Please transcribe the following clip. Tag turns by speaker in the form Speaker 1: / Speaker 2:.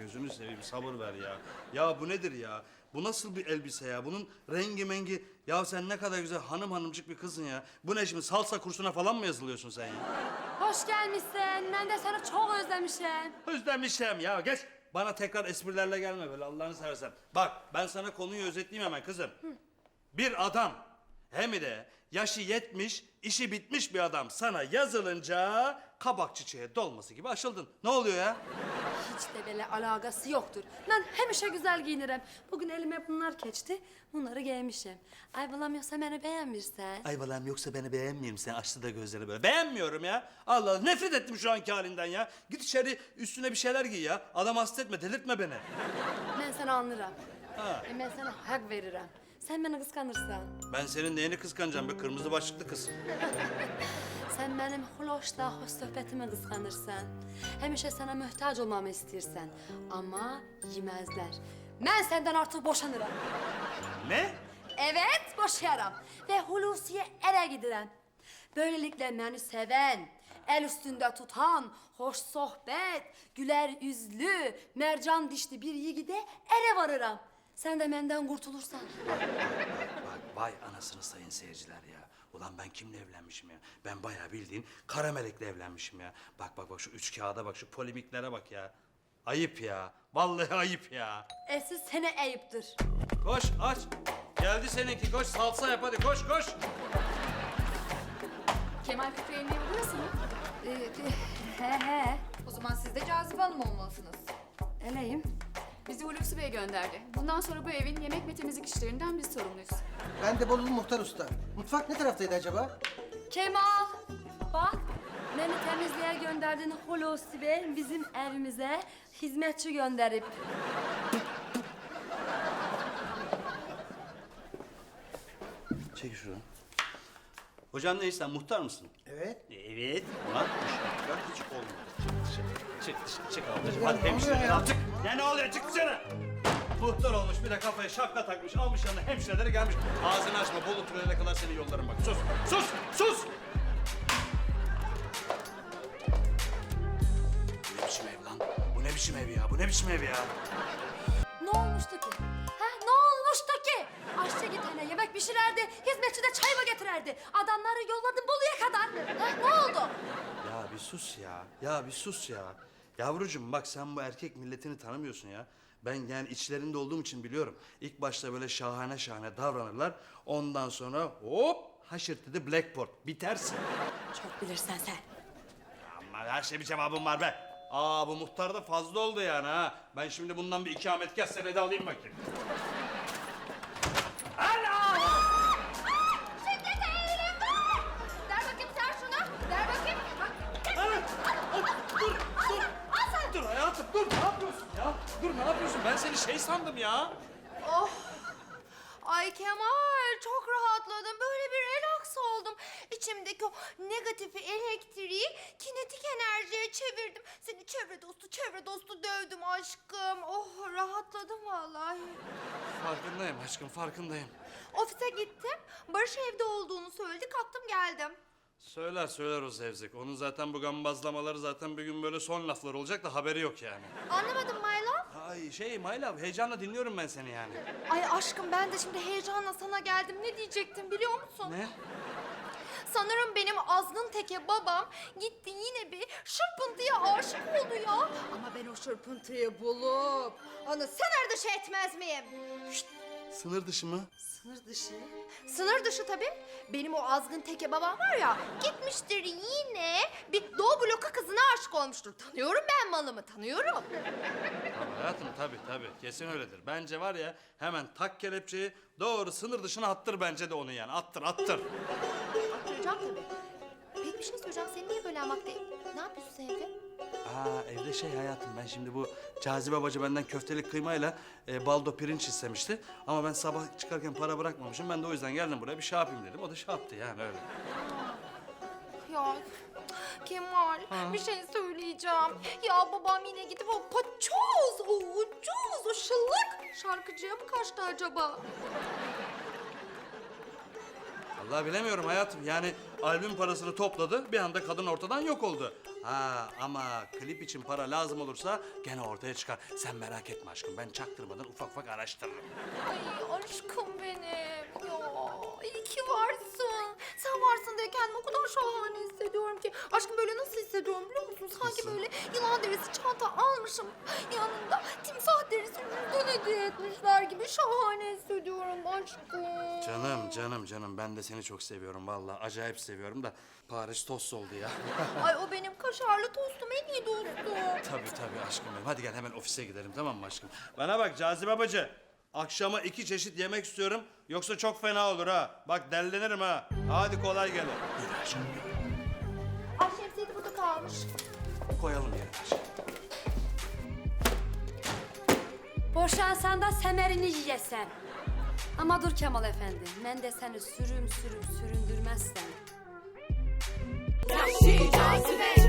Speaker 1: gözünü seveyim sabır ver ya. Ya bu nedir ya? Bu nasıl bir elbise ya? Bunun rengi mengi. Ya sen ne kadar güzel hanım hanımcık bir kızsın ya. Bu ne şimdi salsa kursuna falan mı yazılıyorsun sen ya?
Speaker 2: Hoş gelmişsin. Ben de seni çok özlemişim.
Speaker 1: Özlemişim ya geç. Bana tekrar esprilerle gelme böyle Allah'ını seversen. Bak ben sana konuyu özetleyeyim hemen kızım. Bir adam hem de yaşı 70, işi bitmiş bir adam sana yazılınca kabak çiçeğe dolması gibi açıldın. Ne oluyor ya?
Speaker 2: Hiç de böyle alakası yoktur. Ben hemşe güzel giyinirim. Bugün elime bunlar geçti. Bunları giymişim. Ay bulamıyorsa beni beğenmirsen.
Speaker 1: Ay balam yoksa beni beğenmeyeyim sen açtı da gözleri böyle. Beğenmiyorum ya. Allah Allah nefret ettim şu anki halinden ya. Git içeri üstüne bir şeyler giy ya. Adam hasta etme delirtme beni.
Speaker 2: Ben seni anlarım.
Speaker 1: Ha.
Speaker 2: Ben sana hak veririm. Sen beni kıskanırsan.
Speaker 1: Ben senin neyini kıskanacağım be kırmızı başlıklı kız.
Speaker 2: Sen benim hoşla hoş sohbetimi kıskanırsan. Hemşe sana muhtaç olmamı istersen. Ama yemezler. Ben senden artık boşanırım.
Speaker 1: Ne?
Speaker 2: Evet, boşayarım. Ve Hulusi'ye ere giderim. Böylelikle beni seven, el üstünde tutan, hoş sohbet, güler yüzlü, mercan dişli bir yigide ere varırım. Sen de benden kurtulursan.
Speaker 1: Bak vay anasını sayın seyirciler ya. Ulan ben kimle evlenmişim ya? Ben bayağı bildiğin kara melekle evlenmişim ya. Bak bak bak şu üç kağıda bak şu polemiklere bak ya. Ayıp ya. Vallahi ayıp ya.
Speaker 2: Siz sene ayıptır.
Speaker 1: Koş aç. Geldi seninki koş salsa yap hadi koş koş.
Speaker 3: Kemal Fikri'nin evi burası mı?
Speaker 2: He.
Speaker 3: O zaman siz de Cazibe Hanım olmalısınız.
Speaker 2: Eleyim.
Speaker 3: Bizi Hulusi Bey gönderdi. Bundan sonra bu evin yemek ve temizlik işlerinden biz sorumluyuz.
Speaker 4: Ben de Bolulu Muhtar Usta. Mutfak ne taraftaydı acaba?
Speaker 2: Kemal, bak beni temizliğe gönderdiğin Hulusi Bey bizim evimize hizmetçi gönderip.
Speaker 1: Çek şunu. Hocam ne sen muhtar mısın?
Speaker 4: Evet.
Speaker 1: Evet. Ulan bu şartlar hiç olmadı. Çık dışarı çık ablacığım.
Speaker 4: Ya,
Speaker 1: Hadi
Speaker 4: ne oluyor
Speaker 1: hemşire
Speaker 4: ya?
Speaker 1: al çık. Ya ne oluyor çık dışarı. Muhtar olmuş bir de kafaya şapka takmış almış yanına hemşireleri gelmiş. Ağzını açma Bolu tünele kadar seni yollarım bak. Sus sus sus. Bu ne biçim ev lan? Bu ne biçim ev ya? Bu ne biçim ev ya?
Speaker 2: Ne olmuştu ki? Ha, ne olmuştu ki? Aşçı gitene yemek pişirerdi, hizmetçi de çay mı getirirdi? Adamları yolladım Bolu'ya kadar. Ha, ne oldu?
Speaker 1: Ya bir sus ya. Ya bir sus ya. Yavrucuğum bak sen bu erkek milletini tanımıyorsun ya. Ben yani içlerinde olduğum için biliyorum. İlk başta böyle şahane şahane davranırlar. Ondan sonra hop haşırtıdı blackboard. Bitersin.
Speaker 2: Çok bilirsen sen.
Speaker 1: Ama her şey bir cevabım var be. Aa bu muhtar da fazla oldu yani ha. Ben şimdi bundan bir ikametgah senedi alayım bakayım.
Speaker 3: Ver bakayım sen şunu. Ver bakayım. Bak.
Speaker 1: Dur, dur. Dur hayatım dur ne yapıyorsun ya? Dur ne yapıyorsun? Ben seni şey sandım ya.
Speaker 5: Ay Kemal çok rahatladım. Böyle bir relax oldum. İçimdeki o negatifi elektriği kinetik enerjiye çevirdim. Seni çevre dostu dövdüm aşkım. Oh rahatladım vallahi.
Speaker 1: Farkındayım aşkım farkındayım.
Speaker 5: Ofise gittim. Barış evde olduğunu söyledi. Kalktım geldim.
Speaker 1: Söyler o zevzek. Onun zaten bu gambazlamaları zaten bir gün böyle son laflar olacak da haberi yok yani.
Speaker 5: Anlamadım my love.
Speaker 1: Ay şey my love heyecanla dinliyorum ben seni yani.
Speaker 5: Ay aşkım ben de şimdi heyecanla sana geldim. Ne diyecektim biliyor musun?
Speaker 1: Ne?
Speaker 5: Sanırım benim azgın teke babam gitti yine bir şırpıntıya aşık oldu ya. Ama ben o şırpıntıyı bulup onu sınır dışı etmez miyim?
Speaker 1: Sınır dışı mı?
Speaker 2: Sınır dışı.
Speaker 5: Sınır dışı tabii. Benim o azgın teke babam var ya gitmiştir yine bir Doğu bloku kızına aşık olmuştur. Tanıyorum ben malımı tanıyorum.
Speaker 1: Tabii hayatım tabii kesin öyledir. Bence var ya hemen tak kelepçeyi doğru sınır dışına attır bence de onu yani attır.
Speaker 5: Attıracağım tabii. Peki bir şey söyleyeceğim. Sen niye böyle amakta? Ne yapıyorsun sen evde?
Speaker 1: Aa evde şey hayatım ben şimdi bu Cazibe bacı benden köftelik kıymayla baldo pirinç istemişti. Ama ben sabah çıkarken para bırakmamışım. Ben de o yüzden geldim buraya bir şey yapayım dedim. O da şey yaptı yani öyle.
Speaker 5: Ya Kemal bir şey söyleyeceğim. Ya babam yine gidip o paçoz, o ucuz, o şıllık şarkıcıya mı kaçtı acaba?
Speaker 1: Vallahi bilemiyorum hayatım. Yani albüm parasını topladı. Bir anda kadın ortadan yok oldu. Ha ama klip için para lazım olursa gene ortaya çıkar. Sen merak etme aşkım, ben çaktırmadan ufak ufak araştırırım.
Speaker 5: Ay aşkım benim. Ya iyi ki varsın. Sen varsın diye kendimi o kadar şahane hissediyorum ki. Aşkım böyle nasıl hissediyorum biliyor musun? Sanki böyle yılan derisi çanta almışım. Yanında timsah derisi cüzdan hediye etmişler gibi şahane hissediyorum aşkım.
Speaker 1: Canım ben de seni çok seviyorum vallahi, acayip seviyorum da Paris tost oldu ya.
Speaker 5: Ay o benim kaşarlı tostum, en iyi dostum.
Speaker 1: Tabii aşkım benim. Hadi gel hemen ofise gidelim, tamam mı aşkım? Bana bak Cazibe bacı. Akşama 2 çeşit yemek istiyorum. Yoksa çok fena olur ha. Bak dellenirim ha. Hadi kolay gelin. Yürü aşkım.
Speaker 5: Ay şemsiye de burada kalmış.
Speaker 1: Koyalım yerine aşkım.
Speaker 2: Boşansan da semerini yiyesen. Ama dur Kemal Efendi, ben de seni sürüm süründürmezsem.
Speaker 6: Yahşi cazibe